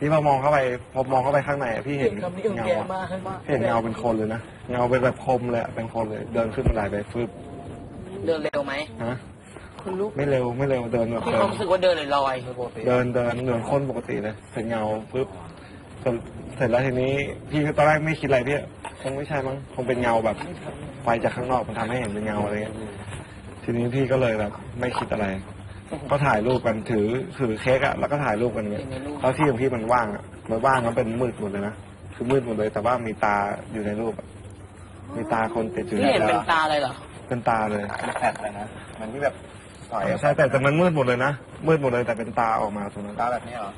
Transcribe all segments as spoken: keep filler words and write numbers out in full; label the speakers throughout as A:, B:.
A: ที่พอมองเข้าไปพอมองเข้าไปข้างในพี่เห็นเงาเห็นเงาเป็นคนเลยนะเงาเป็นแบบคมเลยเป็นคนเลยเดินขึ้นบันไดไปฟึบ
B: เดินเร็วไหม
A: ฮะคุณลุกไม่เร็วไม่เร็วเดินแบบ
B: พี่ความรู้สึกว่าเดินลอย
A: เดินเดินเหมือนคนปกติเลยเห็นเงาฟึบเสร็จแล้วทีนี้พี่ตอนแรกไม่คิดอะไรพี่คงไม่ใช่มั้งคงเป็นเงาแบบไฟจากข้างนอกมันทำให้เห็นเป็นเงาอะไรเงี้ยทีนี้พี่ก็เลยแบบไม่คิดอะไรก็ถ่ายรูปกันถือถือเค้กอะแล้วก็ถ่ายรูปกันเงี้ยแล้วที่ของพี่มันว่างอะมันว่างแล้วเป็นมืดหมดเลยนะคือมืดหมดเลยแต่ว่ามีตาอยู่ในรูปมีตาคนติดอยู่ใน
B: พี่เห็นเป็นตาเลยเหรอ
A: เป็นตาเลย
C: เป็นแผ่นเลยนะมันที่แบบ
A: ใช่แต่แต่มันมืดหมดเลยนะมืดหมดเลยแต่เป็นตาออกมาตรงนั้น
C: ตาแบบนี้เหรอ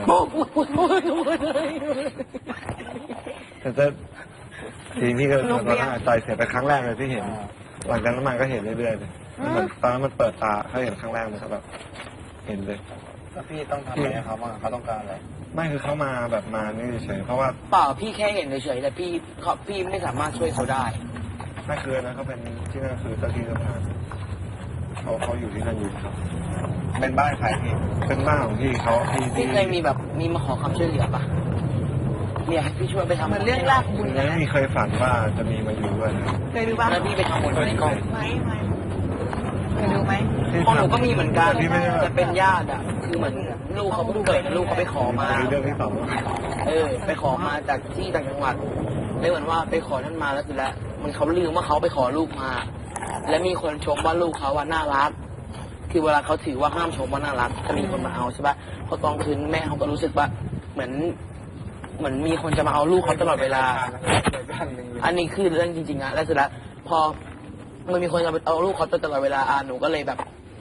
A: แต่จะทีพี่ก็ตอนนั้นใจเสียไปครั้งแรกเลยที่เห็นหลังจากนั้นมันก็เห็นเรื่อยๆเลยตอนนั้นมันเปิดตาเขาเห็นครั้งแรกมันก็แบบเห็นเลย
C: แล้วพี่ต้องทำอะไรเขาบ้างเขาต้องการอะไร
A: ไม่คือเขามาแบบมานี่เฉยเพราะว่า
B: เปล่าพี่แค่เห็นเฉยๆแต่พี่เขาพี่ไม่สามารถช่วยเขาได้
A: ไม่คือนะเขาเป็นที่นั่นคือเจ้าที่เจ้าทางเขาเขาอยู่ที่นั่นอยู่ครับ
C: เป็นบ้านใครพี่
A: เป็นบ้านของพี่เขาที่
B: พี่เคยมีแบบมีมาขอความช่วยเหลือปะเนี่ยพี่ช่วยไปทำ
D: มันเรื่องรากบุญ
A: นะไม่เคยฝันว่าจะมีมาอยู่ด้วยนะ
D: เคยดูบ้าง
B: แล้วพี่ไปทำบุญในกล้อง
D: ไหมไหมเคยดูไหม
B: ของหนูก็มีเหมือนกันจะเป็นญาติอ่ะคือเหมือนลูกเขาเพิ่งเกิดลูกเขาไปขอมา
A: เรื่องที่สอง
B: เออไปขอมาจากที่ต่างจังหวัดเลยเหมือนว่าไปขอท่านมาแล้วคือแล้วมันเขาลืมว่าเขาไปขอลูกมาและมีคนชมว่าลูกเขาว่าน่ารักคือเวลาเขาถือว่าห้ามชมว่าน่ารักจะมีคนมาเอาใช่ปะพอตอนคืนแม่เขาก็รู้สึกว่าเหมือนเหมือนมีคนจะมาเอาลูกเขาตลอดเวลาอันนี้คือเรื่องจริงๆอะแล้วเสร็จแล้วพอมันมีคนจะเอาลูกเขาตลอดเวลาอ่าหนูก็เลยแบบ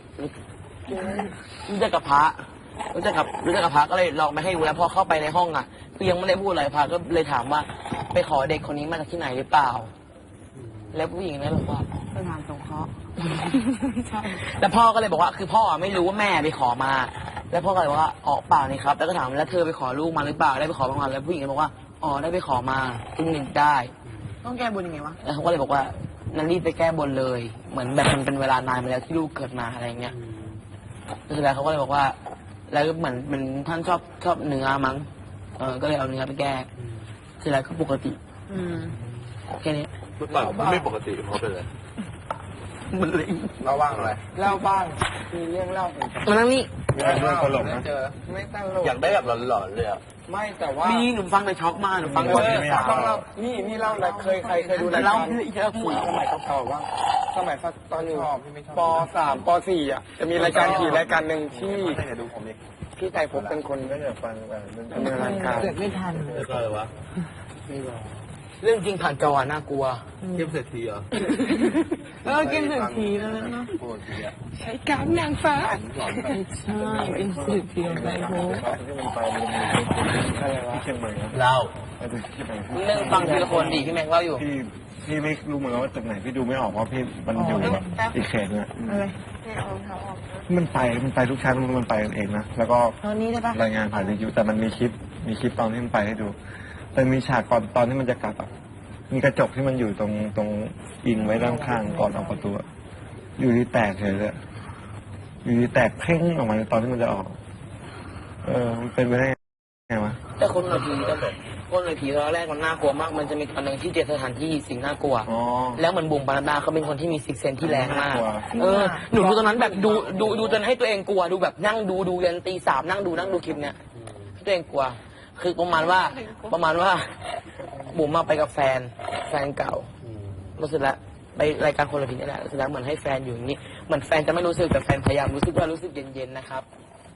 B: รู้จักกับพระรู้จักกับรู้จักกับพระก็เลยลองไปให้ดูแล้วพอเข้าไปในห้องอะคือยังไม่ได้พูดอะไรพระก็เลยถามว่าไปขอเด็กคนนี้มาจากที่ไหนหรือเปล่าแล้วผู้หญิงนั้นบอกว่า
D: สถานสงเคราะห์
B: แล้วพ่อก็เลยบอกว่าคือพ่อไม่รู้ว่าแม่ไปขอมาแล้วพ่อก็เลยบอกว่าออกเปล่านี่ครับแล้วก็ถามแล้วเธอไปขอลูกมาหรือเปล่าได้ไปขอบ้างไหมแล้วผู้หญิงก็บอกว่าอ๋อได้ไปขอมาจริงหนึ่งได้
D: ต้องแก้บนยังไงวะ
B: แล้วเขาก็เลยบอกว่านั่นรีบไปแก้บนเลยเหมือนแบบมันเป็นเวลานานมาแล้วที่ลูกเกิดมาอะไรเงี้ยแล้วสุดท้ายเขาก็เลยบอกว่าแล้วเหมือนมันท่านชอบชอบเนื้อมั้งเออก็เลยเอาเนื้อไปแก้สุดท้ายก็ปกติ
D: อืม
B: แค่นี้
C: เปล่าไม่ปกติเพราะเป็นอะไร
B: มันเลย
C: เล่าบ้างอะไร
D: เล่าบ้างมีเรื่องเล่า
B: มันนั่งนี่
A: มีเรื่องตลกนะ
C: เจอไม่ตั้งโลกอยากได้แบบหลอนๆเลยอ่ะ
D: ไม่แต่ว่า
B: นี่หนูฟังเลยช็อกมากหนูฟัง
D: ก่อนต้องเล่านี่นี่เล่าอะไรเคยใครเคยดูรายการ
B: เยอะคุย
D: สมัยเก่าๆว่าสมัยตอนอยู่ปสามปสี่อ่ะจะมีรายการขี่รายการหนึ่งที่พี่ไก่พบเป็นคน
A: ก็จะฟังแบบ
D: ดำเนินรายการ
C: เกิดไม่ทันเลยก็เลยวะ
D: ไม่รอ
B: เรื่องจริงผ่านจอน่ากลัว
C: เกมเศรษฐีเหรอ
D: เออเกมเศรษฐีแล้วนะใช้การนางฟ้าไม่ใช่เป็นเศรษฐีอะไรโว้
A: ที่มันไปมันมีอะไรวะเชียงใหม่
B: เล่า
A: ไปดูที่ไหน
B: เรื่องฟังทีละคนดีพี่แม็กเล่าอยู่
A: พี่พี่ไม่รู้เหมือนกันว่าตึกไหนพี่ดูไม่ออกว่าพี่มันอยู่แบบอีกเขตเนี่ย
D: อะไร
A: มันไปมันไปทุกชั้นมันไปเองนะแล้วก็รายงานผ่านวิทยุแต่มันมีคลิปมีคลิปตอนที่มันไปให้ดูแต่มีฉากก่อนตอนที่มันจะกลับอ่ะมีกระจกที่มันอยู่ตรงตรงอิงไว้ด้านข้างก่อนออกประตูอยู่ที่แตกเฉยเลยอยู่ที่แตกเพ่งออกมาในตอนที่มันจะออกเออมันเป็นไปได้ไงวะ
B: แต่คนในผีคนในผีตอนแรกมันน่ากลัวมากมันจะมีตอนหนึ่งที่เจอสถานที่สิ่งน่ากลัวแล้วเหมือนบุ๋มปานาเขาเป็นคนที่มีซิกเซนที่แรงมากเออหนูดูตอนนั้นแบบดูดูดูจนให้ตัวเองกลัวดูแบบนั่งดูดูยันตีสามนั่งดูนั่งดูคลิปเนี้ยให้ตัวเองกลัวคือประมาณว่าประมาณว่าบุ๋มมาไปกับแฟนแฟนเก่ารู้สึกแล้วไปรายการคนละผีนี่แหละรู้สึกแล้วเหมือนให้แฟนอยู่อย่างนี้เหมือนแฟนจะไม่รู้สึกแต่แฟนพยายามรู้สึกว่ารู้สึกเย็นๆนะครับ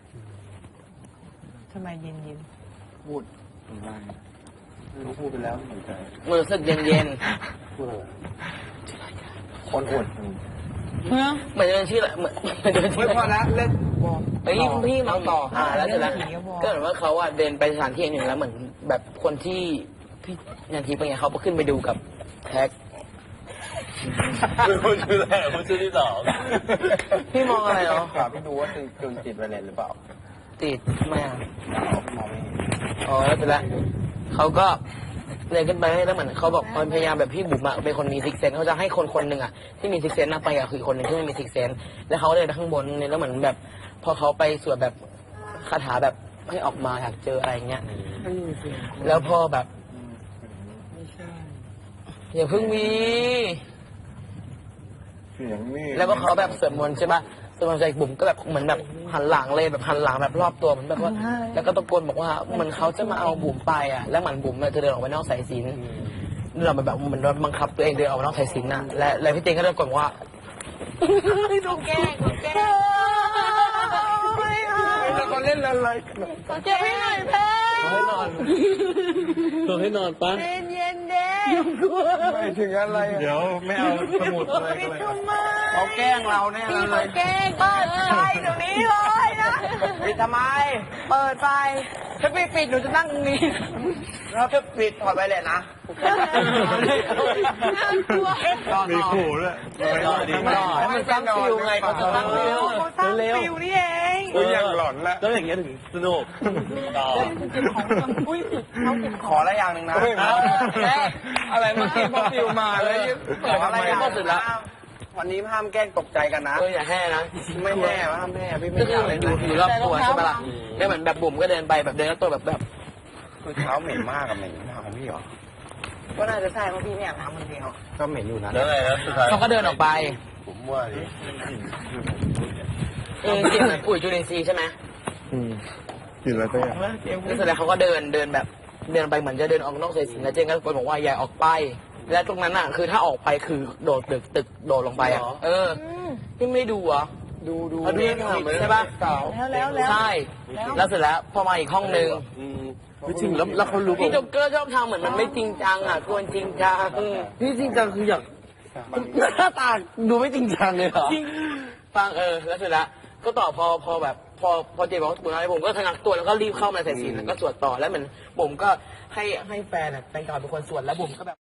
D: ทำไมเย็น
C: ๆพูดได้รู้พูดไปแล้วเหมือนกัน
B: รู้สึกเย็น
C: ๆพูดอะไรคนอด
B: เหมือนเดินชื่อเหมือนเดินชื่อ
D: ไม่พอแล้วเล่น
B: ไปพี่พี่มาต่ออ่าแล้วเสร็จแล้วก็เหมือนว่าเขาอ่ะเดินไปสถานที่หนึ่งแล้วเหมือนแบบคนที่พี่ยันทีเป็นไงเขาก็ขึ้นไปดูกับแท็ก
C: พูดชื่อแรกพูดชื่อที่สอง
B: พี่มองอะไรเนาะ
C: พี่ดูว่าติดกึ่งติดไวเลสหรือเปล่า
B: ติดไม่อ่ะ
C: มองไม่เห็น
B: อ๋อแล้วเสร็จแล้วเขาก็เลยขึ้นไปแล้วเหมือนเขาบอกพยายามแบบพี่บุ๋มอะเป็นคนมีซิกเซนเขาจะให้คนคนหนึ่งอะที่มีซิกเซนนั่งไปอะคือคนหนึ่งที่ไม่มีซิกเซนแล้วเขาเลยไปข้างบนเนี่ยแล้วเหมือนแบบพอเขาไปสวดแบบคาถาแบบให้ออกมาอยากเจออะไรเงี้ยแล้วพอแบบอย่าเพิ่งมี
A: เสียงนี่
B: แล้วก็เขาแบบสวดมนต์ใช่ปะสวดมนต์ใส่บุ๋มก็แบบเหมือนแบบหันหลังเลยแบบหันหลังแบบรอบตัวเหมือนแบบว่า แล้วก็ตะโกนบอกว่าเหมือนเขาจะมาเอาบุ๋มไปอ่ะแล้วเหมือนบุ๋มจะเดินออกไปนอกสายสิญจนเราแบบเหมือนบังคับตัวเองเดินออกไปนอกสายสิญจนน่ะและแล้วพี่เต็งก็ตะโกนว่าถูกแกล้งถูกแกล้ง
D: แล้วเขาเล่นอะไรกัน
E: เจ็บให้หน่อยเพ่
B: ให้นอนตัวให้นอนปะ
E: เย็นเย็นเด้
D: ไม่ถึงอะไร
A: เดี๋ยวไม่เอาสมุดอะไรก็เลย
E: ทำไม
D: เขาแกล้งเราแน่
E: พี่
D: เล
E: มาย แกล้งเปิดไฟเดี๋ยวนี้เลยนะ
D: ปิดทำไม
E: เปิดไฟ
B: ถ้าไม่ปิดหนูจะนั่งตรงนี้
D: เราจะปิดถอดไปเลยนะ
E: น่ากลัว
A: มีขู่ด้วย
B: นอนดีนอนให้มันสร้างฟิลไงเขาจะสร้างฟิล
E: เขาสร้างฟิวนี่เอง
D: อุ้ยยังหลอนละ
B: แล้วอย่างเงี้ยถึงสนุกต่อ
E: อุ้ยเขาเก็บ
D: ขออะไรอย่างหนึ่งนะอะไรเมื่อกี้พอฟิวมาเลยขออะไรอย่างสุดละวันนี้ห้ามแกล้งตกใจกันนะ
B: เอออย่าแห่นะ
D: ไม่แน่ห้ามแน่พี่ไม่
B: ก็
D: อ
B: คื
D: ยา
B: อก
D: เล่น
B: อยู่อยู่รอบตัวใช่ปะล่ะแล้วเหมือนแบบบุ๋มก็เดินไปแบบเดินแล้วตัวแบบแบบ
D: คือเท้าเหม็นมากกับเหม็นมากของพี่เหรอ
E: ก็น่าจะใช่เพราะพี่ไม่อยากทำคนเดียว
D: ก็เหม็นอยู่นะ
C: แล้วไงนะสุดท้าย
B: เขาก็เดินออกไป
C: ผมว่าดิ
B: เออเสียงเหมือนปุ๋ยจุลินทรีย์ใช่ไหม
A: อืมกินอะไรตัวอย่าง
B: แล้วเสร็จแล้วเขาก็เดินเดินแบบเดินไปเหมือนจะเดินออกนอกสายสิญจนแล้วเจนก็ตะโกนบอกว่าอย่าออกไป และตรงนั้นอ่ะคือถ้าออกไปคือโดดตึกตึกโดดลงไปอ่ะเออพี่ไม่ดูเหรอ
D: ดูดู
B: เขาดูใช่ปะ
D: เก่า
E: แล้วแล้วแล้ว
B: ใช่ แล้วเสร็จแล้วพอมาอีกห้องนึง
C: ไม่จริงแล้วแล้วเขารู้
B: พี่โจ๊กเกอร์ชอบทำเหมือนมันไม่จริงจังอ่ะควรจริงจัง
C: พี่จริงจังคืออยากหน้าตาดูไม่จริงจังเลยเหรอ
B: จริงฟังเออแล้วเสร็จแล้วก็ต่อพอพอแบบพอพอเจบอกว่าบุญอะไรผมก็ทะงักตัวแล้วก็รีบเข้ามาใส่ศีลแล้วก็สวดต่อแล้วเหมือนผมก็ให้ให้แฟนอ่ะแฟนเก่าเป็นคนสวดแล้วผมก็แบบ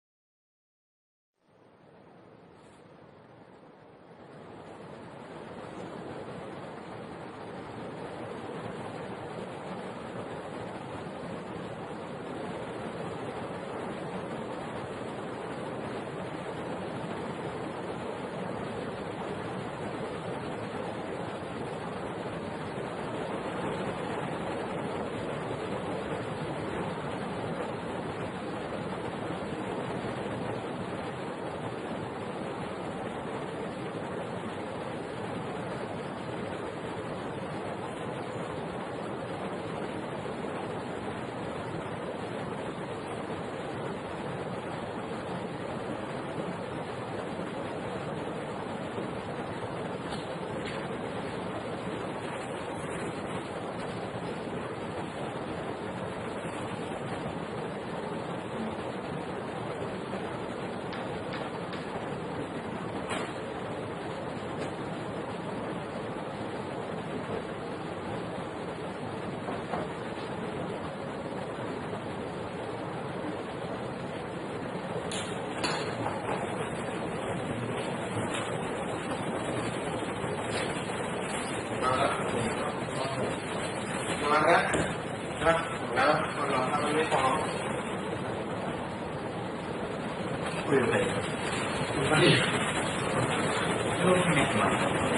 C: มาแล้วนะแล้วมันร้อนมันไม่พร้อมคุยเลยมาดิลูกแม่มา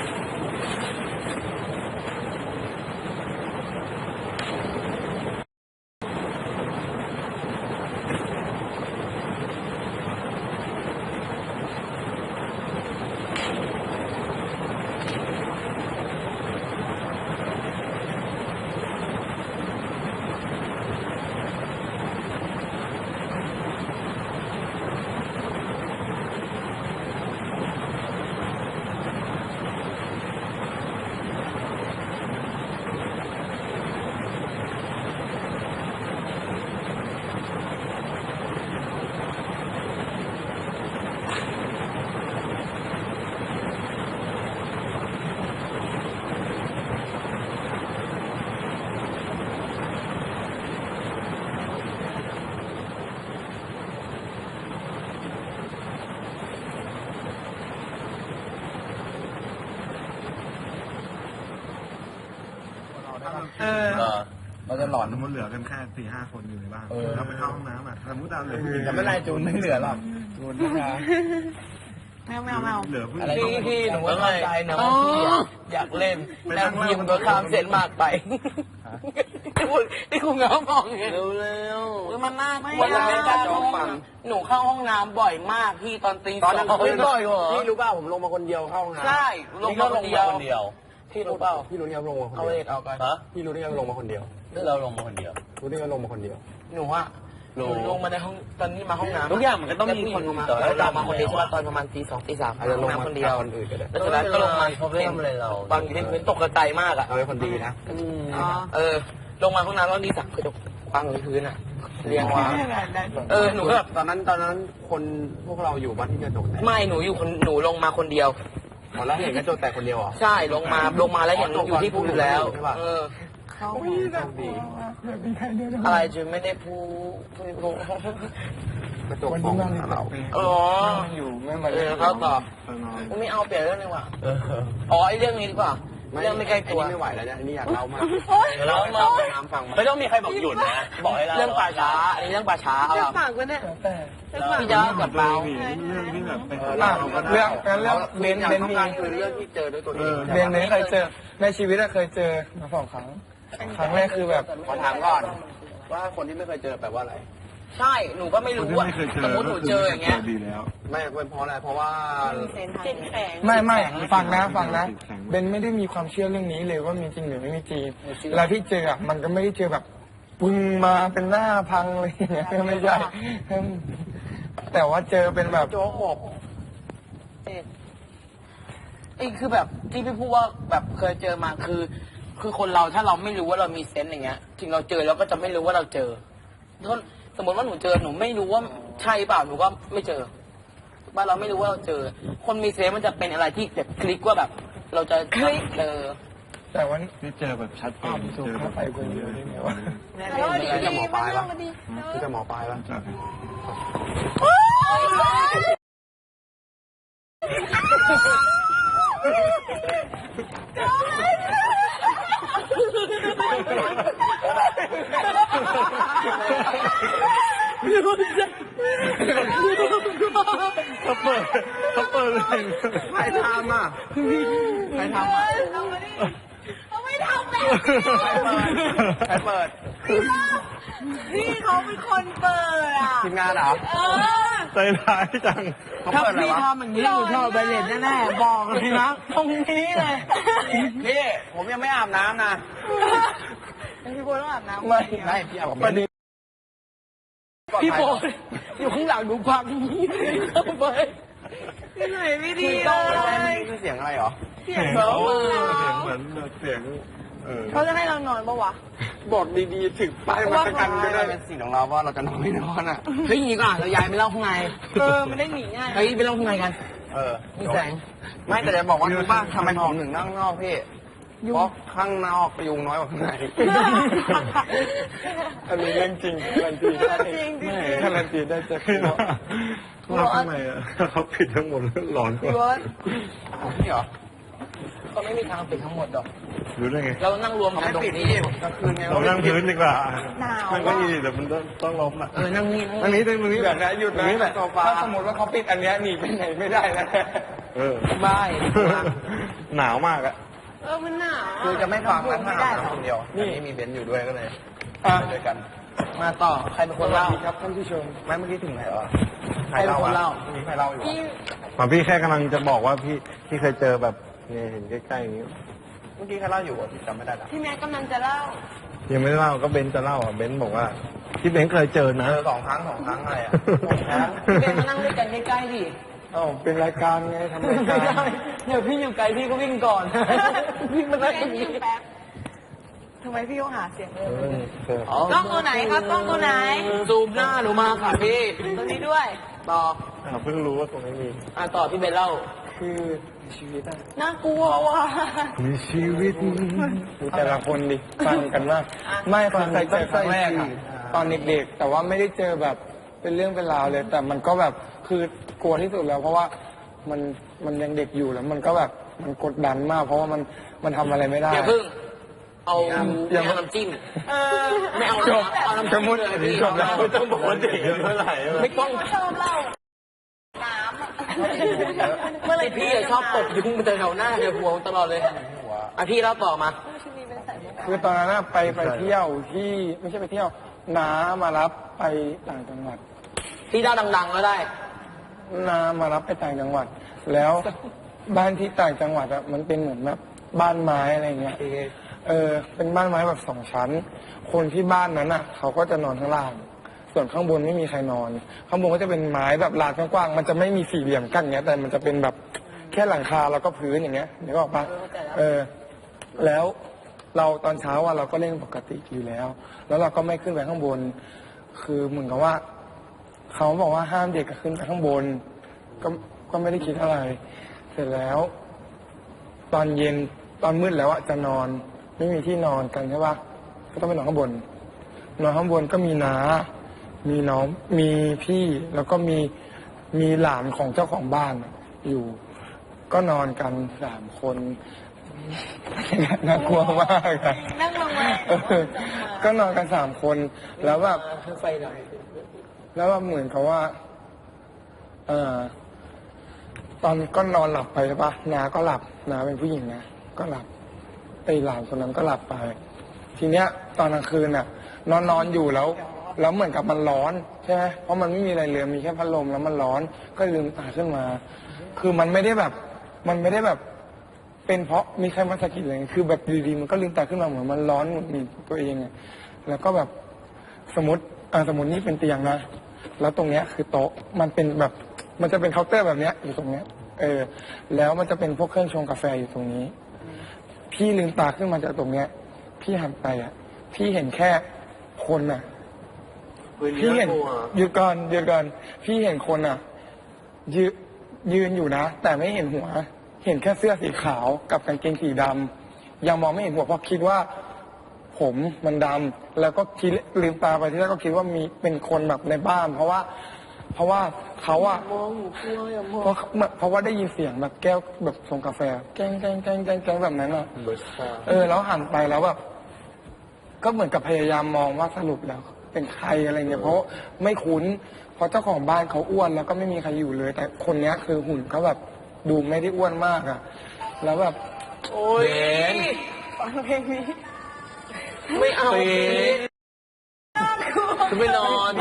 D: เออ
C: เราจะหลอน
A: สมมติเหลือกันแค่สี่ห้าคนอยู่ในบ้านเราไปเข้าห้องน้ำอ่ะสมมติเราเหลือผู้หญิง
C: จะไม่ไรจูนไม่เหลือหรอกจูนนะ
E: แมวแมวแมว
A: เหลือผู้หญิง
B: พี่พี่หนูว่าเข้าใจนะว่าพี่อะอยากเล่นแต่พี่มันก็ข้ามเส้นมากไปที่พูดที่คุณเงาบอกไง
C: เร็วเร็ว
B: มันน่ากลัว
C: ไม่
B: นะ
C: เอา
B: การเข้าห้องน้ำหนูเข้าห้องน้ำบ่อยมากพี่ตอนตีส
C: ต
B: อ
C: อน
B: ง
C: นั้น
B: เฮ้ยบ่อยเหรอ
C: พี่รู้เปล่าผมลงมาคนเดียวเข้าห้องน้ำ
B: ใช่ลงมาคนเดียว
C: คนเดียว
B: พี่รู้เปล่า
C: พี่รู้ที่เขาลงมาคน
B: เอา
C: เดี
B: เอ
C: ยว
B: กเอากัน
C: ฮะพี่รู้ที่เขาลงมาคนเดียวเราลงมาคนเดียวรู้ที่เขาลงมาคนเดียว
B: หนูอะหนูลงมาในห้องตอนนี้มาห้องน้ำ
C: ทุกอย่างมันก็ต้องมีคนลงมา
B: แล้วเรามาคนเดียวใช่ป่ะตอนประมาณตีสองตีสาม
C: อาจจะลง
B: ห้
C: มา
B: น้ำคนเดียว
C: คนอื่นก็ได้
B: แล้วจากนั้นก็ลงมา
C: เขาไม่ทำอะไรเรา
B: บางทีเป็นตกกระจายมากอะ
C: เราเป็นคนดีนะ
E: อ๋อ
B: เออ ลงมาห้องน้ำแล้วตีสามกระจกวางบนพื้นอะเรียงวางเออหนูก็แบบ
C: ตอนนั้นตอนนั้นคนพวกเราอยู่บ้านที่กระจกแตก
B: ไม่หนูอยู่คนหนูลงมาคนเดียว
C: อ๋อแล้วเห็นกระจกแตกคนเดียวเหรอ
B: ใช่ลงมาลงมาแล้วเห็นอยู่ที่ภูอยู่แล้ว
C: ใช่ปะ
B: เออ
E: เขา
C: โชคดี
B: อะไรจะไม่ได้พูพูพู
C: กระจกมองหาเรา
B: อ๋อ
D: อยู่ไม่มา
B: เออเขาตอบไม่เอาเปลี่ยนเรื่องเลยว่ะอ๋อไอเรื่องนี้ดีกว่าเรื่องไม่ใกล้ตัว
C: อันนี้ไม่ไหวแล้วเนี่ยอันนี้อยากเล่ามาก
B: เรามา
C: น้ำฟังมา
B: ไม่ต้องมีใครบอกหยุดนะบอกให้เราเรื่องป่าช้าอันนี้เรื่องป่าช้าเอา
E: จะ
B: ล่ะ
E: ฝากไว้เนี่ยจะฝาก
B: พี่จะกับเรา
A: เรื่องที่แบบไป
C: เออ
A: หา
C: เล่า
D: เรื่องงั้นเรื่องเบน
C: อยาก
D: เบน
C: ต้อง
D: มี
C: การคือเรื่องที่เจอด้วยตัวเอง
D: เบนเบนเคยเจอในชีวิตอะเคยเจอมาสองครั้งครั้งแรกคือแบบ
C: ขอถามก่อนว่าคนที่ไม่เคยเจอแปลว่าอะไร
B: ใช่หนูก็ไม่
A: คน
B: รู้
A: ที่
B: ว่า
A: ไม่เคยเจอ
B: สมมติหนูเจออย่างเงี้ย
A: ดีแล้ว
C: ไม่เป็นเพราะอะไรเพราะว่า
E: เจ็ดแสง
D: ไม่ไม่ฟังนะฟังนะเบนไม่ได้มีความเชื่อเรื่องนี้เลยว่ามีจริงหรือไม่มีจริงเวลาที่เจออะมันก็ไม่ได้เจอแบบปึ้งมาเป็นหน้าพังเลยอย่างเงี้ยไม่ใช่แต่ว่าเจอเป็นแบบ
C: โจ๊กหก
B: ไอ้คือแบบที่พี่พูดว่าแบบเคยเจอมาคือ คือคนเราถ้าเราไม่รู้ว่าเรามีเซนส์อย่างเงี้ยถึงเราเจอเราก็จะไม่รู้ว่าเราเจอถ้าสมมติว่าหนูเจอหนูไม่รู้ว่าใช่เปล่าหนูก็ไม่เจอว่าเราไม่รู้ว่าเราเจอ คนมีเซนส์มันจะเป็นอะไรที่แบบคลิกว่าแบบ เราจะคลิกเจอ
D: แต่ว่า
A: ที่เจอแบบชัดเจ
D: อ้าวน
A: เจ
D: ถูก
A: อแบ
D: เข้า
A: บ
D: ไปคนเดียวได้ไงวะ
E: เออดีดีมาเรื่องมาดี
C: คือจะหมอปลายปะ
A: จาก เขาเปิดเขาเปิดเลย
C: ใครทำอ่ะใครทำอ่ะ
E: เอามาดิเขาไม่ทำแบบ
C: ใครเปิด
E: นี่เขาเป็นคนเปิดอ่ะ
C: ทีมงานเหรอ
E: เออ
A: ใจร้ายจัง
C: เขา
B: ถ้า
C: เปิดอะไร
B: พี่
C: วะ
B: ทำอย่างนี้หนูชอบใบเล็ตแน่ๆบอกเลยนะตรงนี้เลย
C: นี่ผมยังไม่อาบน้ำนะ
E: พี่บัวต้องอาบน้ำ
C: ไม่ไม่พี่อาบกับ
D: ประเด็น
B: พี่โบอยู่ข้างหลังหนูพังนี้เข้าไป
E: พี่หน่อยไม่ดี
C: คือ
E: เล
C: ต้อง
E: ย
C: คือเสียงอะไรเหรอ
E: เสียง
A: เสีย
E: เขา
A: งเหมือนเสียงเออ
E: เขาจะให้เรานอนปะวะ
D: บอกดีๆถึงป้ายมาตะกันก็
C: ไม่
D: ได้
C: ได้เป็นสิ่งของเราว่าเราจะนอนไม่นอนอ่ะ
B: เฮ้ยอย่างนี้ก่อนเราย้ายไปเล่าข้างใน
E: เออมันได้หนีง่าย
B: เฮ้ยไปเล่าข้างในกัน
C: เออ
B: มีแสง
C: ไม่แต่จะบอกว่ารู้ป่ะทำไมผมถึงนั่งนอกพี่เพราะข้างนอกยุงน้อยกว่าข้างใน
D: อันนี้เรื่องจริงการันตีได้
E: จริงจริง
D: การันตีได้จาก
A: คือว่าว่าทำไมอ่ะเขาปิดทั้งหมดหลอนก
E: พี่
A: ว่า
E: บัว
C: นี่เหรอ
B: ก็ไม่มีทางปิดทั้งหมดหรอก
A: รู้ได้ไง
B: เรานั่งรวมกัน
C: ไม่
B: ตรง
C: ปิด
B: นี้
C: นี่กลางคืนไง
A: เรานั่งพื้นดีกว่า
E: หนาว
A: มันก็ดีแต่มันต้องต้องล้มอ่ะ
B: เออนั่งนี่
A: อันนี้ตรงนี้
D: เดี๋ยวนะหยุดนะ
A: นี่แหละ
D: โซฟาถ้าสมมติว่าเขาปิดอันเนี้ยหนีไปไหนไม่ได้นะ
A: เออ
B: บ้าย
A: หนาวมากอ่ะ
E: เออมันหนาว
C: คือจะไม่ฟังนะถ้า
E: ไม่
C: อา
E: ได้
C: บน้ำคนเดียวนี่มีเบนซ์อยู่ด้วยก็เลย
D: อ่ะ
C: ไปด้วยกัน
B: มาต่อใครเป็น
D: ส
B: คน
D: วัส
B: เล่า
D: ดีครับท่านผู้ชม
C: ไม่เมื่อกี้ถึงไหนวะ
B: ใครเป็นคนเล่า
C: มีใครเล่าอยู่
E: พี่
A: อ๋อพี่แค่กำลังจะบอกว่าพี่พี่เคยเจอแบบเนี่ยเห็นใกล้ๆอย่างนี้
C: เมื่อกี้ใครเล่าอยู่อ่ะพี่จำไม่ได้ละ
E: พี่แม็กกำลังจะเล่า
A: ยังไม่ได้เล่าก็เบนซ์จะเล่าอ่ะเบนซ์บอกว่าที่เบนซ์เคยเจอนะ
C: เจอสองครั้งสองครั้งอะไรอ่ะ
B: พี่เบนมานั่งด้วยกันใกล้ๆดิ
D: เอ้าเป็นรายการไงทำราย
B: ไม่
D: การ
B: ได้เดี๋ยวพี่อยู่ไกลพี่ก็วิ่งก่อน วิ่งมานั่งตรงนี้
E: แป๊บทำไมพี่ต้องหาเสียงเลย
A: เออเจอก
E: ล้องตัวไหนครับกล้องตัวไหน
B: ซูมหน้าหนูมาค่ะพี่
E: ตัวนี้ด้วย
B: ต่อ
A: อ่ะเพิ่งรู้ว่าตรงนี้มี
B: อ่ะต่อพี่เบนเล่า
D: คือชีวิตอะ
E: น่ากลัวว่ะ
A: มีชีวิต
D: ดูแต่ละคนดิฟังกันมากไม่ฟังเคยเจอครั้งแรกอะตอนเด็กๆ แต่ว่าไม่ได้เจอแบบเป็นเรื่องเป็นราวเลย แต่มันก็แบบคือกลัวที่สุดแล้ว เพราะว่ามันมันยังเด็กอยู่แล้ว มันก็แบบมันกดดันมาก เพราะว่ามันมันทำอะไรไม่ได้
B: อย่าเพิ่ง เอาไม่เอาน้ำจิ้ม
E: เออ
B: ไม่เอา
D: จบ
B: เอาน้ำ
D: จะ
B: จิ้ม
D: มุด
B: เลยพี่
D: จบแล้ว
A: ไม่ต้องบอกว่าเด็กเท่าไหร่
B: ไม่ต้อง
E: ชอบเล่าน้ำอะ
B: เมื่อไรพี่อะชอบตบยุงมันจะแถวหน้าเดี๋ยวหัวตลอดเลยอ่ะพี่เล่าต่อมา
E: ชีวิตเป็นสัตว์
D: คือตอนนั้นอะไปไปเที่ยวที่ไม่ใช่ไปเที่ยวน้ามารับไปต่างจังหวัด
B: ที่เจ้าดังๆก็ได้
D: น้ามารับไปต่างจังหวัด แล้วบ้านที่ต่างจังหวัดอะมันเป็นเหมือนแบบบ้านไม้อะไรเงี้ยเออเป็นบ้านไม้แบบสองชั้น คนที่บ้านนั้นอะเขาก็จะนอนข้างล่าง ส่วนข้างบนไม่มีใครนอน ข้างบนก็จะเป็นไม้แบบลานกว้างๆมันจะไม่มีสี่เหลี่ยมกั้นเงี้ยแต่มันจะเป็นแบบแค่หลังคาแล้วก็พื้นอย่างเงี้ยนึกออกปะเออ แล้วเราตอนเช้าอะเราก็เล่นปกติอยู่แล้ว แล้วเราก็ไม่ขึ้นไปข้างบน คือเหมือนกับว่า เขาบอกว่าห้ามเด็กขึ้นไปข้างบน ก็ก็ไม่ได้คิดอะไร เสร็จแล้ว ตอนเย็นตอนมืดแล้วอะจะนอน ไม่มีที่นอนกันใช่ปะก็ต้องไปนอนข้างบน นอนข้างบนก็มีน้า มีน้อง มีพี่ แล้วก็มีมีหลานของเจ้าของบ้านอยู่ ก็นอนกันสามคนน่ากลัวมากอะ
E: นั่งลงมา
D: เออก็นอนกันสามคน แล้วแบบ
B: ไฟหน่อย
D: แล้วแบบเหมือนกับว่า เออตอนก็นอนหลับไปใช่ปะนาก็หลับนาเป็นผู้หญิงนะก็หลับไอ้หลานคนนั้นก็หลับไป ทีเนี้ย ตอนกลางคืนน่ะ นอนนอนอยู่แล้ว แล้วเหมือนกับมันร้อนใช่ไหมเพราะมันไม่มีอะไรเลยมีแค่พัดลมแล้วมันร้อน ก็ลืมตาขึ้นมา คือมันไม่ได้แบบ มันไม่ได้แบบ เป็นเพราะมีใครมาสะกิดอะไรคือแบบดีๆมันก็ลืมตาขึ้นมาเหมือนมันร้อนหงุดหงิดตัวเองอะแล้วก็แบบสมมติอ่าสมมตินี่เป็นเตียงนะแล้วตรงเนี้ยคือโต๊ะมันเป็นแบบ มันจะเป็นเคาน์เตอร์แบบเนี้ยอยู่ตรงเนี้ย เออ แล้วมันจะเป็นพวกเครื่องชงกาแฟอยู่ตรงนี้ พี่ลืมตาขึ้นมาจากตรงเนี้ย พี่หันไปอ่ะ พี่เห็นแค่คนอ่ะ พี่เห็นหยุดก่อนหยุดก่อนพี่เห็นคนอ่ะ ยืนยืนอยู่นะแต่ไม่เห็นหัว เห็นแค่เสื้อสีขาวกับกางเกงสีดำยังมองไม่เห็นหัวเพราะคิดว่า ผมมันดำแล้วก็คิดลืมตาไปที่แรกก็คิดว่ามีเป็นคนแบบในบ้าน เพราะว่า เพราะว่าเขาอะเพราะเพราะว่าได้ยินเสียงแบบแก้วแบบชงกาแฟแกงแกงแกงแกงแกงแบบนั้นอะเออ แล้วหันไปแล้วแบบก็เหมือนกับพยายามมองว่าสรุปแล้ว เป็นใครอะไรเงี้ยเพราะไม่คุ้นเพราะเจ้าของบ้านเขาอ้วนแล้วก็ไม่มีใครอยู่เลย แต่คนเนี้ยคือหุ่นเขาแบบดูไม่ได้อ้วนมากอะแล้วแบบ
B: โอ้ย
E: ฟังเพลงนี้
B: ไม่เอาจะไปนอน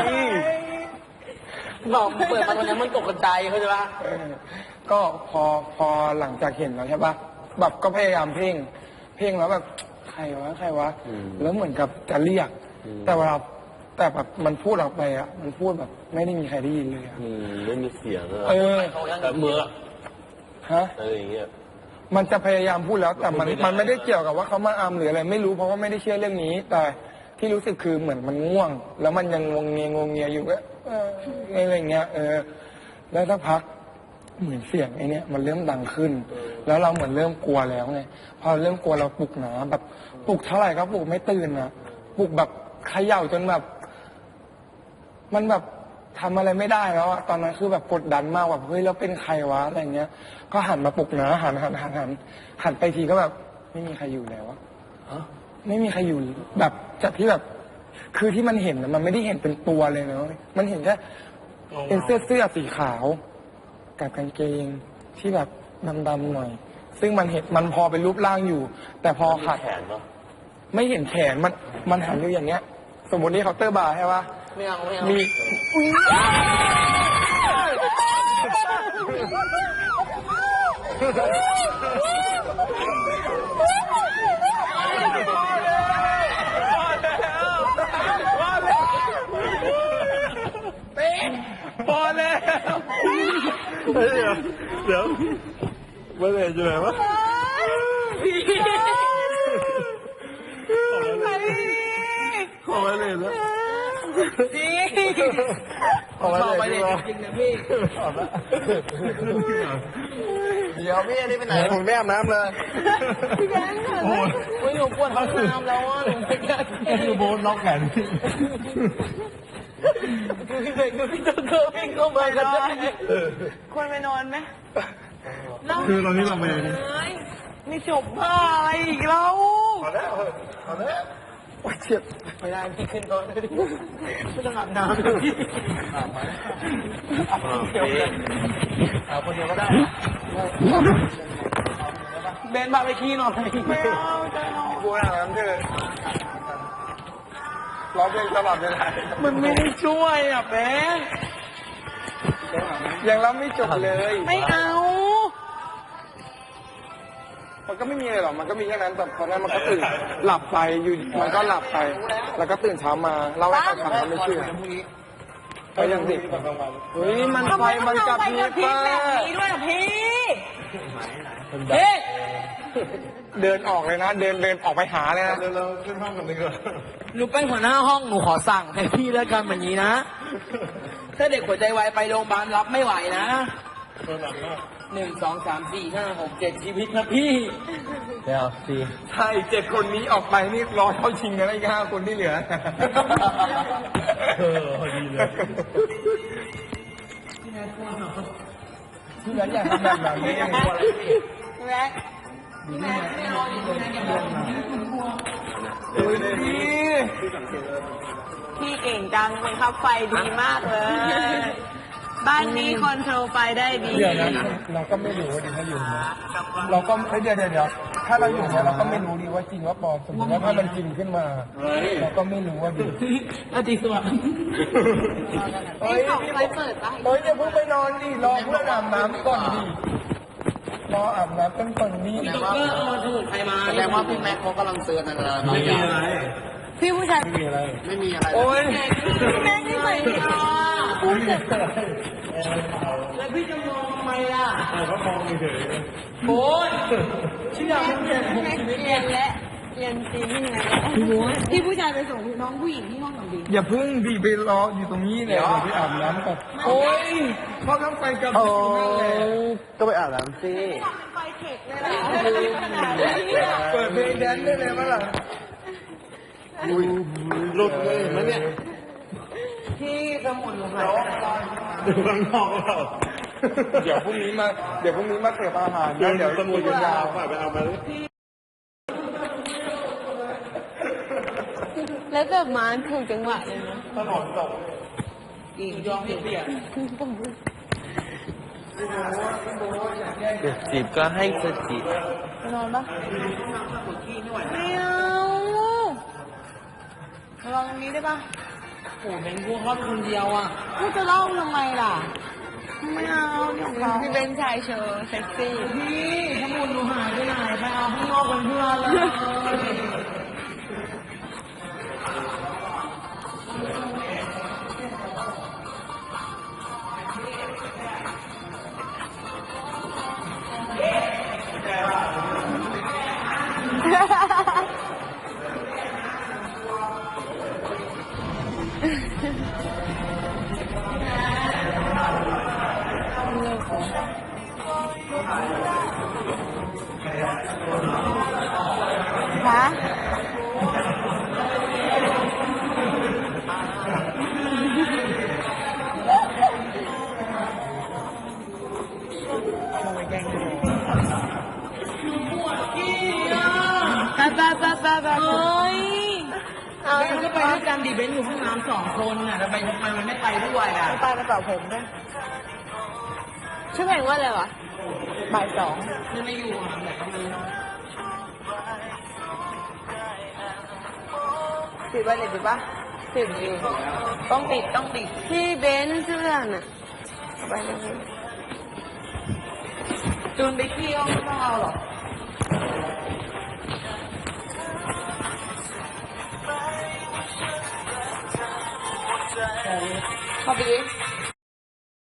B: บอกเปิดมาตอนนี้มันตกกระจายเข้าใจปะ
D: เออก็พอพอหลังจากเห็นแล้วใช่ปะแบบก็พยายามเพ่ง เพ่งแล้วแบบใครวะใครวะแล้วเหมือนกับจะเรียก แต่เวลาแต่แบบมันพูดออกไปอ่ะ มันพูดแบบ ไม่ได้มีใครได้ยินเลยอ่ะ
F: อืมไม่มีเสียงอะ
D: เออ
F: แบบเมื่อ
D: ฮะ
F: อะไรอย่างเงี้ย
D: มันจะพยายามพูดแล้วแต่มันมันไม่ได้เกี่ยวกับว่าเขามาอามหรืออะไรไม่รู้เพราะว่าไม่ได้เชื่อเรื่องนี้ แต่ที่รู้สึกคือเหมือนมันง่วง แล้วมันยังงงเงียงงเงียอยู่ก็เอออะไรเงี้ย เออ แล้วสักพักเหมือนเสียงไอ้นี่มันเริ่มดังขึ้น แล้วเราเหมือนเริ่มกลัวแล้วไงพอเริ่มกลัวเราปลุกหนาแบบปลุกเท่าไหร่ก็ปลุกไม่ตื่นนะปลุกแบบเขย่าจนแบบ มันแบบทำอะไรไม่ได้แล้วอะตอนนั้นคือแบบกดดันมากแบบเฮ้ยแล้วเป็นใครวะอะไรเงี้ย ก็หันมาปลุกนะหันหันหันหันหันไปทีก็แบบ ไม่มีใครอยู่แล้วอะไม่มีใครอยู่แบบจากที่แบบ คือที่มันเห็นนะมันไม่ได้เห็นเป็นตัวเลยนะมันเห็นแค่เป็นเสื้อเสื้อสีขาวกับกางเกงที่แบบดำๆหน่อย ซึ่งมันเห็นมันพอเป็นรูปร่างอยู่ แต่พอขัด
F: แขนปะ
D: ไม่เห็นแขนมันมันหันอยู่อย่างเงี้ย สมมตินี่เคาน์เตอร์บาร์ใช่ปะ
B: ไม่เอาไม่เอา
D: มีพอแล้ว
A: เฮ้ยเดี๋ยวเดี๋ยวเมื่อไหร่จะไหนวะ ขอมาเลยแล้ว
B: จริง
A: ขอมา
B: บอกไป
A: เล
B: เลย
A: ย
B: จริงนะพี่
C: เดี๋ยวพี่อันนี้ไปไหนผมไม่อาบน้ำเลย
A: โอ้ย
B: โอ้ยหนูปวดห้องน้ำแล้วอ่ะหนูไม่กล้า
A: คือโบนล็อกแขน
B: คือเด็กคือพี่ต้องเกิดวิ่งเข้ามากันได้
E: ควรไปนอนไหม
A: คือตอนนี้เราไป
E: ไม่จบบ้าอะไรอีกแล้ว
A: ขอแล้วขอแล้ว
D: โอ้ยเจ็บ
B: ไม่ได้พี่ขึ้นก่อนเลยไม่ต้องอาบน้ำเลยพี่อาบไหมอาบคนเดียวเลยอาบคนเดียวก็ได้เบนพาไปขี้หน่อย
E: ไม่เอาจะนอน
D: บัวอาบน้ำเถอะร้องเพลงตลอดเวลา
B: มันไม่ได้ช่วยอ่ะแบง
D: ยังร้องไม่จบเลย
B: ไม่เอา
D: มันก็ไม่มีอะไรหรอกมันก็มีแค่นั้นแต่ตอนนั้นมันก็ตื่นหลับไปอยู่มันก็หลับไป แล้วก็ตื่นเช้ามาเล่าให้เขาฟังเขาไม่เชื่อก็ยังสิเฮ้ยมันไฟมันกลับ
E: ไป
D: พี
E: กับพี่
D: ป้า
E: แบบนี้ด้วยเหรอพี่
B: เฮ้ย
D: เดินออกเลยนะ เดินเดินออกไปหาเลยนะ
A: เราขึ้นห้องกันดีกว่า
B: หนูเป็นหัวหน้าห้องหนูขอสั่งให้พี่เลิกกันแบบนี้นะ ถ้าเด็กหัวใจวายไปโรงพยาบาลรับไม่ไหวนะหนึ่งสองสามสี่ห้าหกเจ็ดชีวิตนะพี่
F: เดี๋ยวสิ
D: ใช่เจ็ดคนนี้ออกไปนี่รอเข้าชิงกันอีกห้าคนที่เหลือ
F: เออพอดีเลย
D: ที่เหลืออยากทำแบบแบบนี้ยังไง
E: แม็ก
D: ดูดิ
E: พี่เก่งจังบังคับไฟดีมากเลย บ้านนี้คอนโทรลไฟได้ดี
D: เดี๋ยวนะเราก็ไม่รู้ว่าดีถ้าอยู่นะเราก็เอ้ยเดี๋ยวเดี๋ยวเดี๋ยวถ้าเราอยู่เนี่ยเราก็ไม่รู้ดีว่าจริงว่าปลอมสมมติว่าถ้ามันจริงขึ้นมาเราก็ไม่รู้ว่าดี
B: อาทิตย์สวัสดิ์
D: เฮ้ยไฟเปิดปะเฮ้ยอย่าเพิ่งไปนอนดิรอเพื่อนอาบน้ำก่อนดิรออาบน้ำกันก่อนดิ
B: พี่ตุ๊กเกอร์เอาสมุนไพรมา
C: แสดงว่าพี่แม็กเขากำลังเตือนอะไรบางอย่าง
E: พี่ผู้ชาย
D: ไม่มีอะไร
C: ไม่มีอะไร
D: โอ้ย
E: พี่แม็กนี่ใส่ยา
B: แล้วพี่จะมองทำไมล่ะเขามองเฉยๆโอ้ยเชื่อมันเปลี่ยนผม
E: แม็ก
B: ชีวิต
E: เรียนและเรียนจริงนี่ไงพี่ผู้ชายไปส่งน้องผู้หญิงที่ห้องหนังดี
D: อย่าเพิ่งดิไปรออยู่ตรงนี้เลยเดี๋ยวไปอาบน้ำก่อนโอ้ยเขาต้องไปกับพี่นั่นแหละ
C: ก็ไปอาบน้ำสิ
E: ไฟเทคเลยล่ะ
D: เปิดเพลงแดนซ์ได้เลยมั้ยล่ะ
A: หลุดเลยเห็นไหมเนี่ย
B: พี่สมุนไพร
A: ดูข้างนอกเรา
D: เดี๋ยวพรุ่งนี้มา เดี๋ยวพรุ่งนี้มาเสิร์ฟอาหาร
A: เดี๋
D: นะ
A: ยว
D: เดี๋ยว
A: สมุด
D: คุยกัน
A: ยาย
D: าว ว
A: ฝ่ายไปเอามาเลย
E: แล้วแบบมาถูกจังหวะเลยนะ
A: ถนนตก
B: อีกยอมเปลี่ยน
F: เด็กจีบก็ให้สจีบ
E: ไปนอนปะไม่เอาระวังตรงนี้ได้ปะ
B: โอ้โหเป็นกูเขาเป็นคนเดียวอ่ะ
E: กูจะเล่าทำไมล่ะ ไม่เอาเดี๋ยวเขาพี่เป็นชายเชอร์เซ็กซี่
B: พี่สมุนหนูหายไปไหนไปเอาข้างนอกเป็นเพื่อนเลย
E: ฮะไปไปไปไปไปเฮ้ยเอา
B: เบนก็ไปด้วยกันดิเบนอยู่ห้องน้ำสองคนน่ะทำไมทำไมมันไม่ไปด้วยอ่ะ
E: ไปกระเป๋าผมด้วยชื่อเพลงว่าอะไรวะบ่ายสอง
B: มันไม่อยู่อ่ะแบบมัน
E: ปิดไว้เลยปิดปะปิดอยู่ต้องปิดต้องปิดพี่เบนซ์เสื้อน่ะเอาไปเลยจูนไปเที่ยวไม่ต้องเอาหรอกเข้าไปดิ